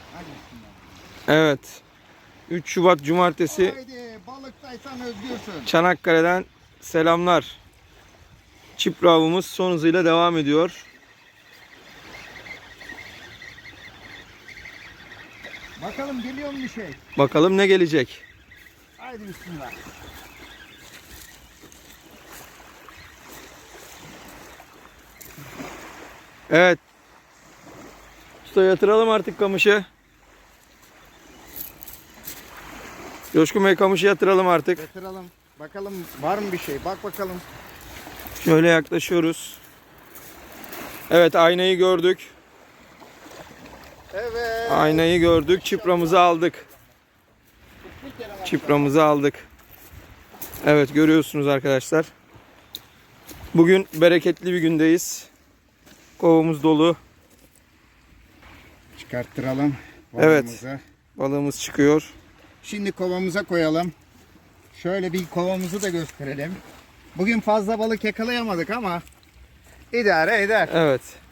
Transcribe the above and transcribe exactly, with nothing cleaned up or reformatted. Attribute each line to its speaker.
Speaker 1: Hadi bismillah.
Speaker 2: Evet. üç Şubat Cumartesi
Speaker 1: Haydi balıktaysan özgürsün.
Speaker 2: Çanakkale'den selamlar. Çipra avımız son hızıyla devam ediyor.
Speaker 1: Bakalım geliyor mu bir şey?
Speaker 2: Bakalım ne gelecek.
Speaker 1: Haydi bismillah.
Speaker 2: Evet. Usta yatıralım artık kamışı. Coşkun Bey kamışı yatıralım artık.
Speaker 1: Yatıralım. Bakalım var mı bir şey? Bak bakalım.
Speaker 2: Şöyle yaklaşıyoruz. Evet, aynayı gördük.
Speaker 1: Evet.
Speaker 2: Aynayı gördük. Çipramızı aldık. Çipramızı aldık. Evet, görüyorsunuz arkadaşlar. Bugün bereketli bir gündeyiz. Kovamız dolu.
Speaker 1: Çıkarttıralım
Speaker 2: Evet.
Speaker 1: balığımızı.
Speaker 2: Balığımız çıkıyor.
Speaker 1: Şimdi kovamıza koyalım. Şöyle bir kovamızı da gösterelim. Bugün fazla balık yakalayamadık ama idare eder.
Speaker 2: Evet.